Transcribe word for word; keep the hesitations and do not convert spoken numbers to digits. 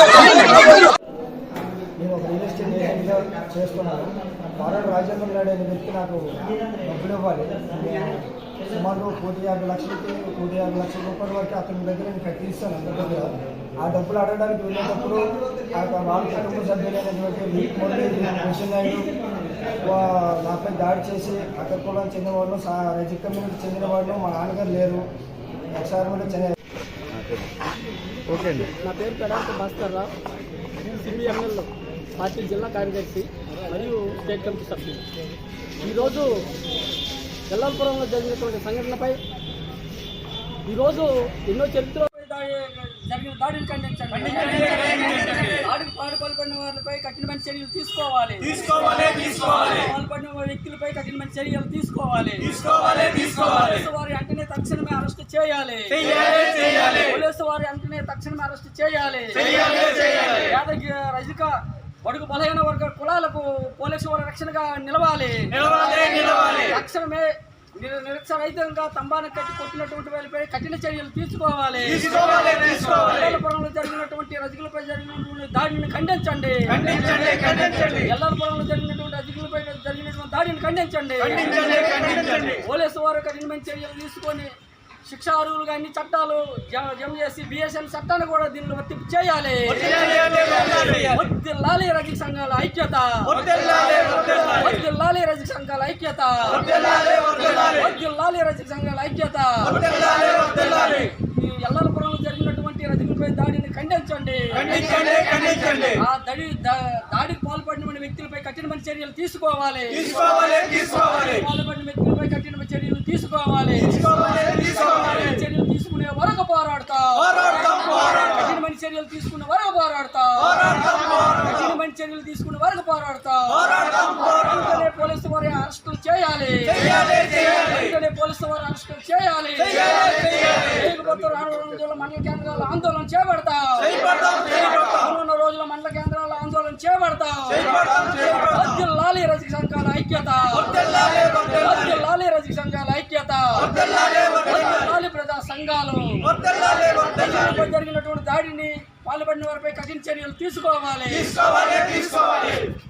నేను ఒక real estate ఏజెంట్గా చేస్తున్నాను. వారాడు రాజేంద్ర నాయుడు అనే వ్యక్తి నాకు డబ్బులు ఇవ్వాలి. సుమారు కోటి యాభై లక్షలకి కోటి యాభై లక్షల రూపాయల వరకు అతని దగ్గర నేను కట్టిస్తాను అందరి దగ్గర. ఆ డబ్బులు అడగడానికి వెళ్ళేటప్పుడు వాళ్ళ కుటుంబ సభ్యులైనటువంటి కృష్ణ నాయుడు నాపై దాడి చేసి అక్కడ కులానికి చెందిన వాళ్ళు, రజక్ కమ్యూనిటీకి చెందిన వాళ్ళు, మా నాన్నగారు లేరు, ఒకసారి కూడా చెన్నై. ఓకే అండి. నా పేరు పెడాంత భాస్కర్ రావు, సిబిఎంఎల్ పార్టీ జిల్లా కార్యదర్శి మరియు స్టేట్ కమిటీ సభ్యులు. ఈరోజు ఎల్లంపురంలో జరిగినటువంటి సంఘటనపై ఈరోజు ఎన్నో చరిత్ర జరిగిన దాడిని ఖండించండి. దాడికి పాల్పడిన వారిపై కఠినమైన చర్యలు తీసుకోవాలి. పాల్పడిన వ్యక్తులపై కఠినమైన చర్యలు తీసుకోవాలి. పోలీసు వారి అంటనే తక్షణమే అరెస్ట్ చేయాలి. పోలీసు వారి అంటనే తక్షణమే అరెస్ట్ చేయాలి. యాదగిరి రజిక బడుగు బలహీన వర్గ కులాలకు పోలీసు వారి రక్షణగా నిలవాలి. తక్షణమే నిరక్షరహితంగా తంబాను కట్టి కొట్టినటువంటి వారిపై కఠిన చర్యలు తీసుకోవాలి. ఎల్లపురంలో జరిగినటువంటి రజకులపై జరిగినటువంటి దాడిని ఖండించండి. ఎల్లపురంలో జరిగినటువంటి రజకులపై జరిగినటువంటి దాడిని ఖండించండి. పోలీసు వారు కఠినమైన చర్యలు తీసుకొని శిక్షార్హులుగా అన్ని చట్టాలు జమ చేసి బిఎస్ఎన్ చట్టాన్ని కూడా దీనిలో వర్తింపు చేయాలి. వర్ధిల్లాలి రజక సంఘాల ఐక్యత, వర్ధిల్లాలి రజక సంఘాల ఐక్యత, వర్ధిల్లాలి రజక సంఘాల ఐక్యత. ఎల్లపురంలో జరిగినటువంటి రజకులపై దాడిని ఖండించండి. ఆ దాడి దాడికి పాల్పడిన వ్యక్తులపై కఠినమైన చర్యలు తీసుకోవాలి. పాల్పడిన వ్యక్తులపై కఠినమైన చర్యలు తీసుకోవాలి. చర్యలు తీసుకునే వరకు పోరాడతా, కఠినమైన చర్యలు తీసుకునే వరకు పోరాడతా, కఠినమైన చర్యలు తీసుకునే వరకు పోరాడతా. వెంటనే పోలీసు వారి అరెస్టులు చేయాలి. వెంటనే పోలీసు వారి అరెస్టులు చేయాలి. లేకపోతే రానున్న రోజుల్లో మండల కేంద్రాల ఆందోళన చేపడతా, రానున్న రోజుల మండల కేంద్రాల ఆందోళన చేపడతా. వర్ధిల్లాలి రజక సంఘాల ఐక్యత, వర్ధిల్లాలి రజక సంఘాల ఐక్యత, వర్ధిల్లాలి ప్రజా సంఘాలు. జరిగినటువంటి దాడిని పాల్పడిన వారిపై కఠిన చర్యలు తీసుకోవాలి.